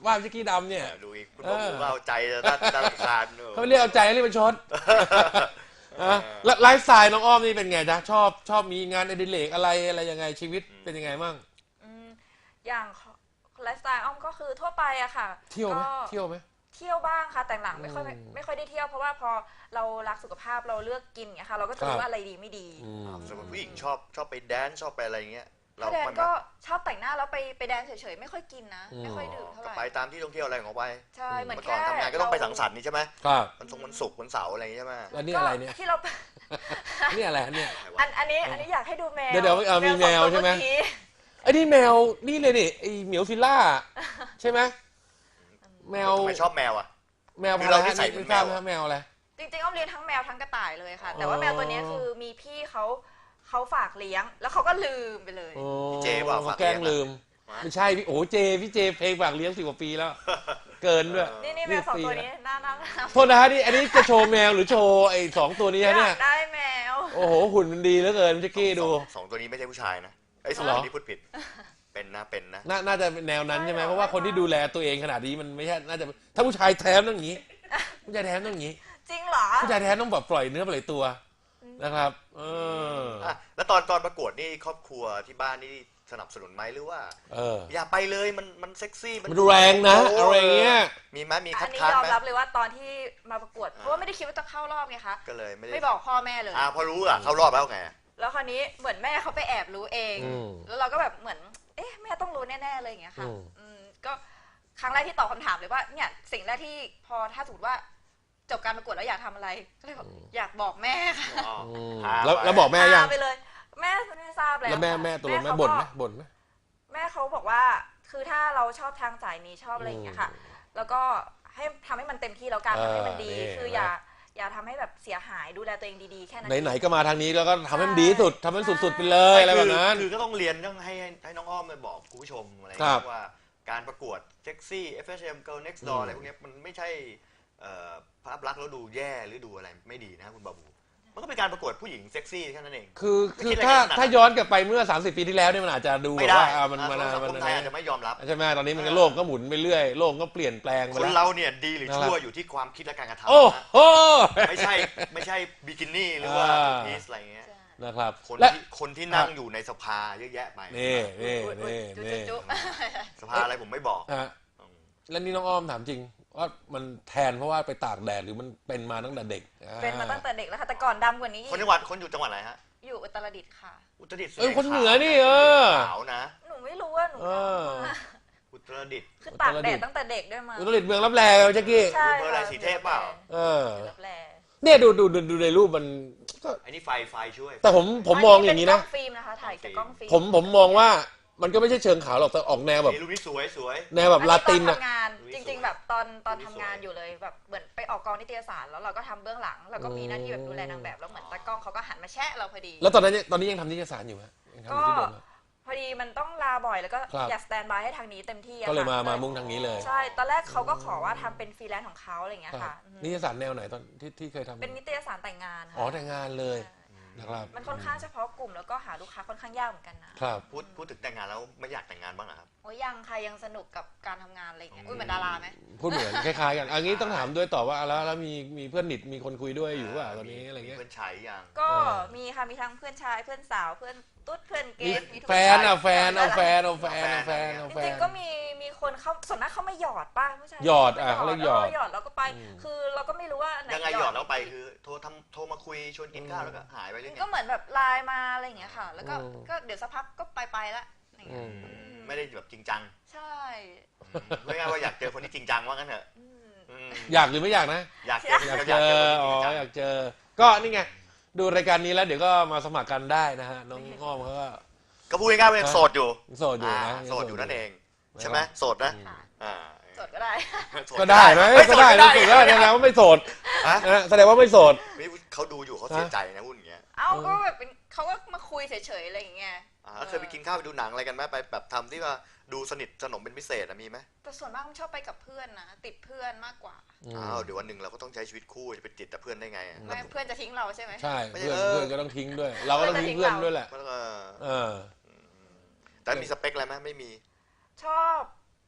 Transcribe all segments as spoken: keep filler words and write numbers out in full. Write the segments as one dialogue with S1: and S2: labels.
S1: ว่าแจ็คกี้ดำเนี่ย
S2: ดูอีกคุณบอบูก็เอาใจด้านด้านคาน
S1: เขาเรียกเอาใจเรียกเป็นชดแล้วไลฟ์สไตล์น้องอ้อมนี่เป็นไงจ๊ะชอบชอบมีงานอดิเรกอะไรอะไรยังไงชีวิตเป็นยังไงบ้าง
S3: อย่างไลฟ์สไตล์อ้อมก็คือทั่วไปอะค่ะ
S1: เที่ยวไหมเที่ยวไหม
S3: เที่ยวบ้างค่ะแต่หลังไม่ค่อยไม่ค่อยได้เที่ยวเพราะว่าพอเรารักสุขภาพเราเลือกกินอย่างเงี้ยค่ะเราก็จะรู้ว่าอะไรดีไม่ดี
S2: สมมติผู้หญิงชอบชอบไปแดนชอบไปอะไรเงี้ย
S3: เราแดนก็ชอบแต่งหน้าแล้วไปไปแดนเฉยๆไม่ค่อยกินนะไม่ค่อยดื่มเท่าไหร่
S2: ไปตามที่ท่องเที่ยวอะไรของไป
S3: ใช่เหมือน
S2: ก่อนทำงานก็ต้องไปสังสรรค์นี่ใช่ไหม
S1: ครับ
S2: วันศุกร์วันศุกร์วันเสาร์อะไรใช่ไหม
S1: แล้วนี่อะไรเนี่ย
S3: ที่เรา
S1: นี่อะไรเนี่ย
S3: อันอันนี้อันนี้อยากให้ดูแมว
S1: เดี๋ยวเดี๋ยวมีแมวใช่ไหมไอ้นี่แมวนี่เลยนี่ไอ้เหมียวฟิลล่าใช่ไหมแมว
S2: ไม่ชอบแมวอ่ะ
S1: แมวอะไรที่ใส่เป็นแมวแมวอะไร
S3: จริงๆอ้อมเลี้ยงทั้งแมวทั้งกระต่ายเลยค่ะแต่ว่าแมวตัวนี้คือมีพี่เขาเขาฝากเลี้ยงแล้วเขาก็ลืมไปเลย
S2: พี่เจว่าฝาก
S1: แกล้งลืมไม่ใช่พี่โอ้เจพี่เจเพลงฝากเลี้ยงสิบกว่าปีแล้วเกินด้วย
S3: นี่นี่แมวสองตัวนี้น่ารัก
S1: โทษนะฮะนี่อันนี้จะโชว์แมวหรือโชว์ไอ้สองตัวนี้เนี่ย
S3: ได้แมว
S1: โอ้โหหุ่นมันดีเหลือเกินแจ็คกี้ดู
S2: สองตัวนี้ไม่ใช่ผู้ชายนะไอ้สองตัวนี้พูดผิดเป็นนะเป็นนะ
S1: น่าจะเป็นแนวนั้นใช่ไหมเพราะว่าคนที่ดูแลตัวเองขนาดนี้มันไม่ใช่น่าจะถ้าผู้ชายแท้ต้องอย่างนี้ผู้ชายแท้ต้องอย่างนี้
S3: จริงเหรอ
S1: ผู้ชายแท้ต้องแบบปล่อยเนื้อปล่อยตัวนะครับเออ
S2: แล้วตอนตอนประกวดนี่ครอบครัวที่บ้านนี่สนับสนุนไหมหรือว่า
S1: เออ
S2: อย่าไปเลยมันมันเซ็กซี่
S1: มันแรงนะอะไรเงี้ย
S2: มีไหมมีคัด
S3: ค้านไหมอันนี้ยอมรับเลยว่าตอนที่มาประกวดเพราะว่าไม่ได้คิดว่าจะเข้ารอบไงคะ
S2: ก็เลยไม่
S3: ไม่บอกพ่อแม่เลย
S2: อ่าพอรู้อ่ะเข้ารอบแล้วไง
S3: แล้วคราวนี้เหมือนแม่เขาไปแอบรู้เองแล้วเราก็แบบเหมือนเอ๊ะแม่ต้องรู้แน่ๆเลยอย่างเงี้ยค่ะก็ครั้งแรกที่ตอบคำถามเลยว่าเนี่ยสิ่งแรกที่พอถ้าสมมติว่าจบการประกวดแล้วอยากทำอะไรก็เลยบอกอยากบอกแม่ค่ะ
S1: แล้วแล้วบอกแม่ยัง
S3: ไปเลยแม่ไม่ทราบแล้ว
S1: แล้วแม่แม่ตัวแม่บ่นไหมบ่นไหม
S3: แม่เขาบอกว่าคือถ้าเราชอบทางสายนี้ชอบอะไรอย่างเงี้ยค่ะแล้วก็ให้ทำให้มันเต็มที่แล้วกันทำให้มันดีคืออย่าอย่าทำให้แบบเสียหายดูแลตัวเองดีๆแค่นั้น
S1: ไหนๆก็มาทางนี้แล้วก็ทำให้มันดีสุดทำให้สุดๆไปเลยอะไรแบบนั้น
S2: คือก็ต้องเรียนต้องให้ให้น้องอ้อมมาบอกคุณผู้ชมอะไรว่าการประกวดเซ็กซี่ เอฟ เอส เอ็ม Girl Next Door อะไรพวกนี้มันไม่ใช่ภาพลักษณ์แล้วดูแย่หรือดูอะไรไม่ดีนะคุณบาบูมันก็เป็นการประกวดผู้หญิงเซ็กซี่แค่นั้นเอง
S1: คือคือถ้าถ้าย้อนกลับไปเมื่อสามสิบปีที่แล้วเนี่ยมันอาจจะดูว่ามันมัน
S2: สังคมไทยอาจจะไม่ยอมรับ
S1: ใช่ไหมตอนนี้มันก็โลกก็หมุนไปเรื่อยโลกก็เปลี่ยนแปลงไป
S2: แล้วคนเราเนี่ยดีหรือชั่วอยู่ที่ความคิดและการกระทำ
S1: โอ้โห
S2: ไม่ใช่ไม่ใช่บิกินี่หรือว่าพีซอะไรเงี้ย
S1: นะครับ
S2: คนที่คนที่นั่งอยู่ในสภาเยอะแยะไป
S1: นี่นี่นี่นี่
S2: สภาอะไรผมไม่บอก
S1: แล้วนี่น้องอ้อมถามจริงว่ามันแทนเพราะว่าไปตากแดดหรือมันเป็นมาตั้งแต่เด็ก
S3: เป็นมาตั้งแต่เด็กแล้วค่ะแต่ก่อนดำกว่านี้
S2: คนจังหวัดคนอยู่จังหวัดอะไรฮะ
S3: อยู่อุตรดิตถ์ค่ะ
S2: อุตรดิตถ์
S1: เออคนเหนือนี่เออ
S2: ขาวนะ
S3: หนูไม่รู้ว่าหนู
S2: อุตรดิตถ์
S3: คือตากแดดตั้งแต่เด็กด้วยมา
S1: อุตรดิตถ์เมืองรับแลแจ็คกี้
S3: ใช่
S2: เมืองอะไรสีเทพเปล่า
S1: เออเนี่ยดูดูดูในรูปมัน
S2: ก็อันนี้ไฟไฟช่วย
S1: แต่ผมผมมองอย่างนี้นะ
S3: กล้องฟิล์มนะคะถ่ายจากกล้องฟิล์ม
S1: ผมผมมองว่ามันก็ไม่ใช่เชิงขาวหรอกแต่ออกแนวแบบ
S2: รูปนี้สวยสวย
S1: แนวแบบลาตินอะ
S3: จริงๆแบบตอนตอนทำงานอยู่เลยแบบเหมือนไปออกกองนิตยสารแล้วเราก็ทำเบื้องหลังเราก็มีหน้าที่แบบดูแลนางแบบแล้วเหมือนตากล้องเขาก็หันมาแชะเราพอดี
S1: แล้วตอนนั้นตอนนี้ยังทำนิตยสารอยู่ไหม
S3: ก็พอดีมันต้องลาบ่อยแล้วก็อยากสแตนบายให้ทางนี้เต็มที่
S1: ก็เลยมามามุ่งทางนี้เลย
S3: ใช่ตอนแรกเขาก็ขอว่าทำเป็นฟรีแลนซ์ของเขาอะไรอย่างเงี้ยค่ะ
S1: นิตยสารแนวไหนตอนที่ที่เคยทำ
S3: เป็นนิตยสารแต่งงาน
S1: อ๋อแต่งงานเลยนะครับ
S3: มันค่อนข้างเฉพาะกลุ่มแล้วก็หาลูกค้าค่อนข้างยากเหมือนกันนะครับ
S2: พูดพูดถึงแต่งงานแล้วไม่อยากแต่งงานบ้างเหรอครับ
S3: โอ้ยยังค่ะยังสนุกกับการทำงานอะไรอย่างเงี้ยอุ้ยเหมือนดาราไหม
S1: พูดเหมือนคล้ายๆกันอันนี้ต้องถามด้วยต่อว่าแล้วแล้วมีมีเพื่อนหนิดมีคนคุยด้วยอยู่ว่าตอนนี้อะไรเงี้ย
S2: เพื่อนชายยัง
S3: ก็มีค่ะมีทั้งเพื่อนชายเพื่อนสาวเพื่อนตุ๊ดเพื่อนเกย์
S1: แฟนอ่ะแฟนเอาแฟนเอาแฟนเอาแฟนเอาแฟน
S3: จริงๆก็มีมีคนเขาส่วนมากเขาไม่หยอดป้าผู้ชาย
S1: หยอดอ่ะเขาเรียกหยอด
S3: หยอดแล้วก็ไปคือเราก็ไม่รู้ว่า
S2: ยังไงหยอดแล้วไปคือโทรทำโทรมาคุยชวนกินข้าวแล้วก็หายไปเรื่อย
S3: ก็เหมือนแบบไลน์มาอะไรอย่างเงี้ยค่ะแล้วก็ก็เดี๋ยวสักพักก็ไปไปละ
S2: ไม่ได้แบบจริงจัง
S3: ใช่
S2: ไม่ง่ายว่าอยากเจอคนที่จริงจังว่างั้นเถอะ
S1: อยากหรือไม่อยากนะ
S2: อยากเจอ
S1: อยากเจออ๋ออยากเจอก็นี่ไงดูรายการนี้แล้วเดี๋ยวก็มาสมัครกันได้นะฮะน้องอ้อมเขาก็
S2: ก็พูดง่ายๆว่ายังโสดอยู่
S1: โสดอยู่นะ
S2: โสดอยู่นั่นเองใช่ไหมโสดนะ
S3: โสดก็ได้
S1: ก็ได้ไหมก็ได้นะโสดได้แสดงว่าไม่โสดแสดงว่าไม่โสด
S2: เขาดูอยู่เขาเสียใจนะพูดอย่างเงี้ย
S3: เอ้าก็แบบเป็นเขาก็มาคุยเฉยๆอะไรอย่างเงี้ย
S2: เคยไปกินข้าวไปดูหนังอะไรกันไหมไปแบบทำที่ว่าดูสนิทสนมเป็นพิเศษมีไหม
S3: แต่ส่วนมากมันชอบไปกับเพื่อนนะติดเพื่อนมากกว่า
S2: อ้าวเดี๋ยววันหนึ่งเราก็ต้องใช้ชีวิตคู่จะไปติดแต่เพื่อนได้ไง
S3: ไม่เพื่อนจะทิ้งเราใช่ไหม
S1: ใช่เพื่อนเพื่อนก็ต้องทิ้งด้วยเราก็ต้องทิ้งเพื่อนด้วยแหละ
S2: เออแต่มีสเปคอะไรไหมไม่มี
S3: ชอบ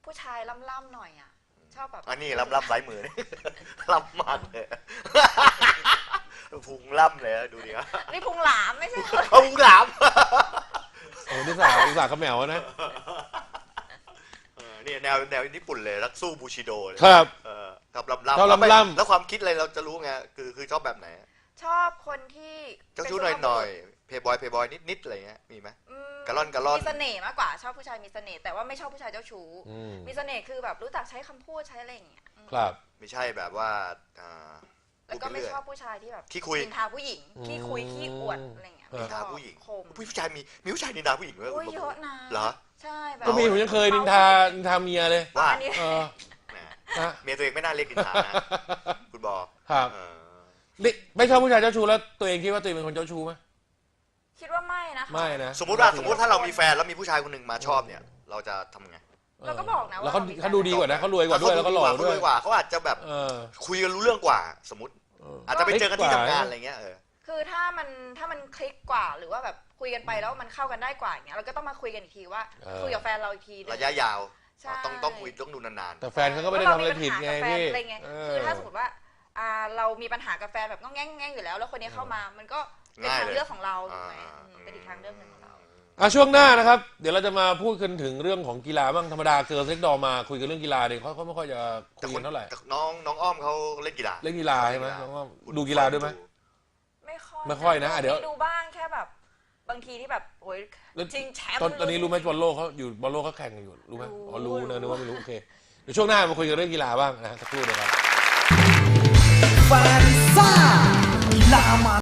S3: ผู้ชายล่ำๆหน่อยอ่ะชอบแบบ
S2: อันนี้ล่ำล่ำสายมือ ล่ำมากเลย พุงล่ำเลยอะดูดิครับ
S3: นี่พุงหลามไม่ใช่เหรอ
S2: พุงหลาม
S1: โอ้นี่สาวสาวขมแมวนะ
S2: เออนี่แนวแนวญี่ปุ่นเลยรักสู้บูชิโดเลย
S1: ครับ
S2: เออกับล่ำล่ำ
S1: ชอบล่ำๆ
S2: แล้วความคิดอะไรเราจะรู้ไงคือคือชอบแบบไหน
S3: ชอบคนที่
S2: เจ้าชู้หน่อยหน่อยเพย์บอยเพย์บอยนิดนิดอะไรเงี้ยมีไหม
S3: อืม
S2: กะล่อนกะล่อน
S3: มีเสน่ห์มากกว่าชอบผู้ชายมีเสน่ห์แต่ว่าไม่ชอบผู้ชายเจ้าชู้
S1: อืม
S3: มีเสน่ห์คือแบบรู้จักใช้คำพูดใช้อะไรอย่างเงี้ยอืม
S1: ครับ
S2: ไม่ใช่แบบว่าอ่า
S3: แล้วก็ไม่
S2: พูดปเรื่ย
S3: ชอบผู้ชายที่แบบ
S2: ขี้คุย
S3: นินทาผู้หญิงขี้คุยขี้อวดอะไรอย่างเงี้ย
S2: นินทาผู้หญิง
S3: คม
S2: ผู้ชายมีมีผู้ชายนินทาผู้หญิงด้วย
S3: โอ้ยเยอะนะ
S2: เหรอ
S3: ใช่แบบ
S1: ก็มีผมยังเคยนินทานินทาเมียเลย
S2: ว่า
S3: อันนี้
S1: เออ
S2: แหม
S1: นะ
S2: เมียตัวเองไม่น่าเรียกนินทานะคุณบอ
S1: ครับ
S2: เออ
S1: นี่ไม่ชอบผู้ชายเจ้าชู้แล้วตัวเองคิดว่าตัวเองเป็นคนเจ้าชู้ไหม
S3: คิดว่าไม่นะคะ
S1: ไม่นะ
S2: สมมติว่าสมมติถ้าเรามีแฟนแล้วมีผู้ชายคนหนึ่งมาชอบเนี่ย เราจะทำไง
S3: เราก็บอกนะว่า
S1: แล้วเขา
S3: เรามีแฟน
S1: เขาดูดีกว่านะเขารวยกว่าด้วยแล้วก็หล่อ
S2: เขา
S1: ด้ว
S2: รวย ยกว่าเขาอาจจะแบบ
S1: เออ
S2: คุยกันรู้เรื่องกว่า สมมติ
S1: เออ
S2: อาจจะไปเจอกันที่
S1: เล็กกว่า
S2: ทำงานอะไรเงี้ยเออ
S3: คือถ้ามันถ้ามันคลิกกว่าหรือว่าแบบคุยกันไปแล้วมันเข้ากันได้กว่าอย่างเงี้ยเราก็ต้องมาคุยกันอีกทีว่า
S1: เออ
S3: คุยกับแฟนเราอีกทีนึง
S2: ระยะยาว
S3: ใช่
S2: ต้องต้องคุยต้องดูนาน
S1: แต่แฟนเขาก็ไม่ได้ทำอะไรผิดไง
S3: เรามี
S1: พี่
S3: ปัญหากับแฟนอะไรเงี้ย
S1: เอ
S3: คือถ้าสมมติว่าอ่าเรามีปัญหากับแฟนแบบก็แง่งแง่งอยู่แล้ว แล้วคนนี้เข้ามามันก็เป็นทางเลือกของเราถูกไหมอืมเป็นอีกทางเลือกหนึ่งของเรา
S1: อ่ะช่วงหน้านะครับ เดี๋ยวเราจะมาพูดกันถึงเรื่องของกีฬาบ้างธรรมดาเกิร์ลเซ็กดอมาคุยกันเรื่องกีฬาเนี่ยเขาเขาไม่ค่อยจะ
S2: ๆ
S1: คุ
S2: แต่
S1: ย
S2: ค
S1: กัน นเท่าไหร่
S2: แต่น้องน้องอ้อมเขาเล่นกีฬา
S1: เล่นกีฬาใช่ไหมน้องว่าดูกีฬาด้วยไหม
S3: ไม่ค่อย
S1: ไม่ค่อยนะอ่ะเดี๋ยว
S3: มีดูบ้างแค่แบบบางทีที่แบบโอ้ย
S1: แล้ว
S3: จริงแชมป์
S1: ตอนตอนนี้รู้ไหมบอลโลกเขาอยู่บอลโลกเขาแข่งกันอยู่รู้ไหมอ๋อรู้นะนึกว่าไม่รู้โอเคเดี๋ยวช่วงหน้ามาคุยกันเรื่องกีฬาบ้างนะฮะสักครู่เดียวครับ
S4: แฟนซ่ากีฬามา